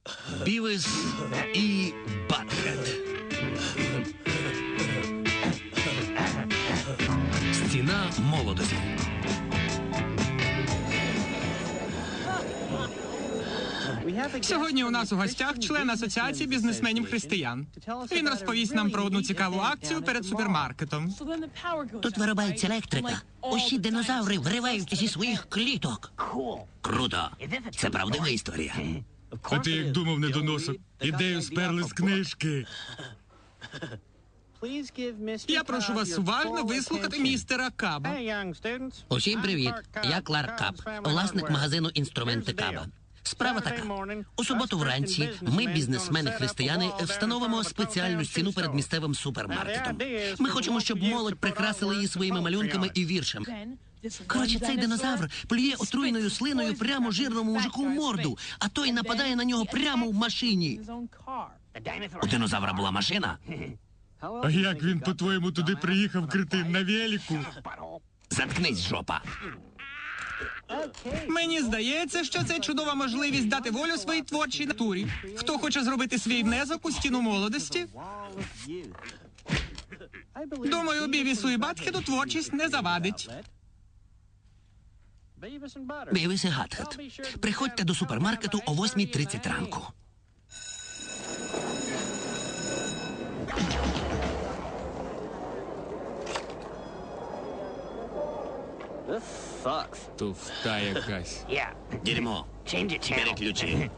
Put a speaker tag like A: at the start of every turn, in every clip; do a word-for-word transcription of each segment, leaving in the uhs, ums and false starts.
A: Бівіс і Батхед. Стіна молодості.
B: Сьогодні у нас у гостях член Асоціації бізнесменів християн. Він розповість нам про одну цікаву акцію перед супермаркетом.
C: Тут виробається електрика. Усі динозаври виривають зі своїх кліток.
A: Круто. Це правдива історія.
D: А ти як думав, недоносок? Ідею сперли з книжки.
B: Я прошу вас уважно вислухати містера Каба.
C: Усім привіт. Я Кларк Каб, власник магазину «Інструменти Каба». Справа така. У суботу вранці ми, бізнесмени-християни, встановимо спеціальну стіну перед місцевим супермаркетом. Ми хочемо, щоб молодь прикрасила її своїми малюнками і віршами. Коротше, цей динозавр плює отруєною слиною прямо жирному мужику в морду, а той нападає на нього прямо в машині.
A: У динозавра була машина?
D: А як він, по-твоєму, туди приїхав, кретин, на велику?
A: Заткнись, жопа.
B: Мені здається, що це чудова можливість дати волю своїй творчій натурі. Хто хоче зробити свій внесок у стіну молодості? Думаю, Бівісу і Батхеду творчість не завадить.
A: Бівіс і Батхед. Приходьте до супермаркету о восьмій тридцять ранку.
D: Туфта якась.
A: Дерьмо. Бери ключі.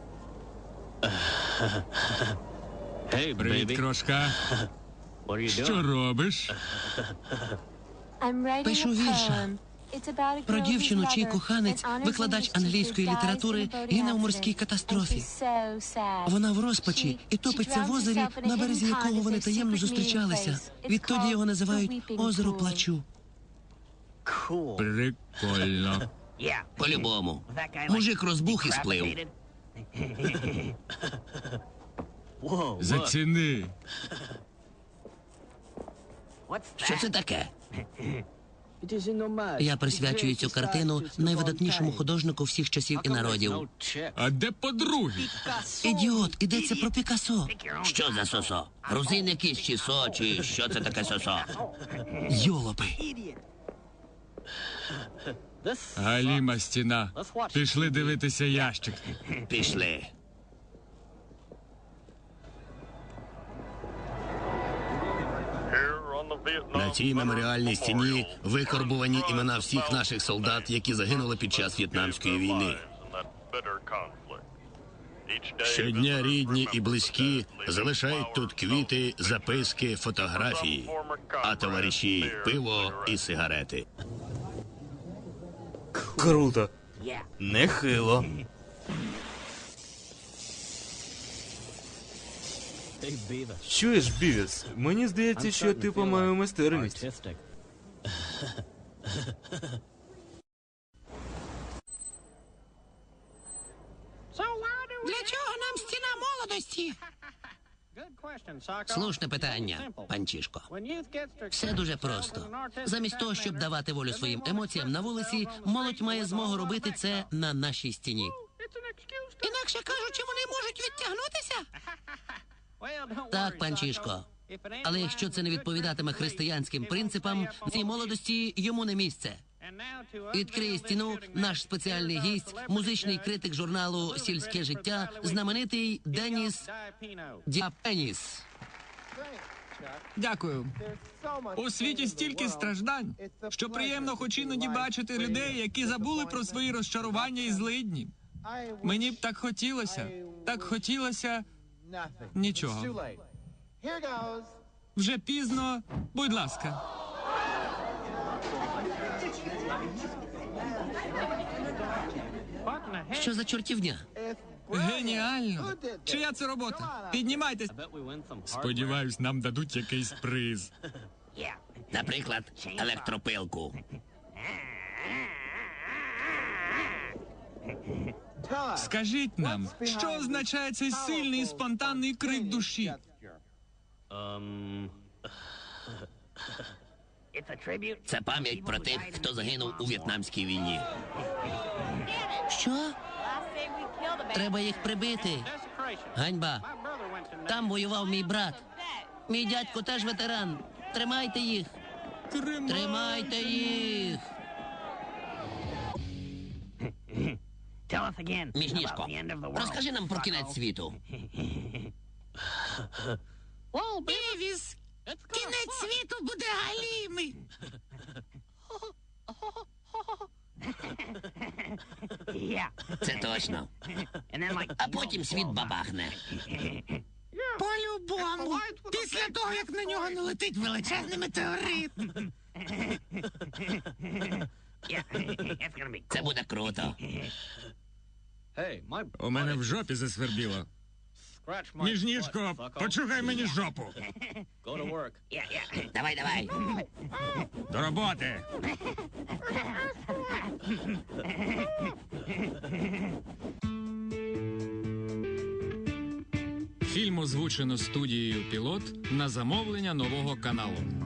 D: Привіт, крошка. Що робиш?
C: Пишу вірша. Про дівчину, чий коханець, викладач англійської літератури, гине у морській катастрофі. Вона в розпачі і топиться в озері, на березі якого вони таємно зустрічалися. Відтоді його називають «Озеро плачу».
D: Прикольно.
A: По-любому. Мужик розбух і сплив.
D: Заціни.
A: Що це таке?
C: Я присвячую цю картину найвидатнішому художнику всіх часів і народів.
D: А де подруги?
C: Ідіот, ідеться про Пікассо.
A: Що за сосо? Грузин якийсь чи со, чи що це таке сосо?
C: Йолопи.
D: Галіма стіна. Пішли дивитися ящик.
A: Пішли. На цій меморіальній стіні викорбувані імена всіх наших солдат, які загинули під час В'єтнамської війни. Щодня рідні і близькі залишають тут квіти, записки, фотографії, а товариші – пиво і сигарети.
E: Круто. Нехило. Чуєш, Бівіс? Мені здається, що ти помаю майстерність.
C: Для чого нам стіна молодості? Слушне питання, панчішко. Все дуже просто. Замість того, щоб давати волю своїм емоціям на вулиці, молодь має змогу робити це на нашій стіні. Інакше кажучи, вони можуть відтягнутися? Так, панчішко. Але якщо це не відповідатиме християнським принципам, цій молодості йому не місце. Відкриє стіну наш спеціальний гість, музичний критик журналу «Сільське життя», знаменитий Деніс Діапеніс.
B: Дякую. У світі стільки страждань, що приємно хоч іноді бачити людей, які забули про свої розчарування і злидні. Мені б так хотілося, так хотілося нічого. Вже пізно, будь ласка.
C: Що за чортівня?
B: Геніально. Чия це робота? Піднімайтесь.
D: Сподіваюсь, нам дадуть якийсь приз.
A: Наприклад, електропилку.
B: Скажіть нам, що означає цей сильний і спонтанний крик душі?
A: Це пам'ять про тих, хто загинув у В'єтнамській війні.
C: Що? Треба їх прибити. Ганьба. Там воював мій брат. Мій дядько теж ветеран. Тримайте їх. Тримайте їх. Міжніжко, розкажи нам про кінець світу.
F: Бівіс, кінець світу буде галімий.
C: Це точно. А потім світ бабахне.
F: По-любому. Після того, як на нього налетить величезний метеорит.
C: Це буде круто.
D: У мене в жопі засвербіло. Міжніжко, почухай мені жопу.
C: Давай, давай.
D: До роботи.
B: Фільм озвучено студією «Пілот» на замовлення нового каналу.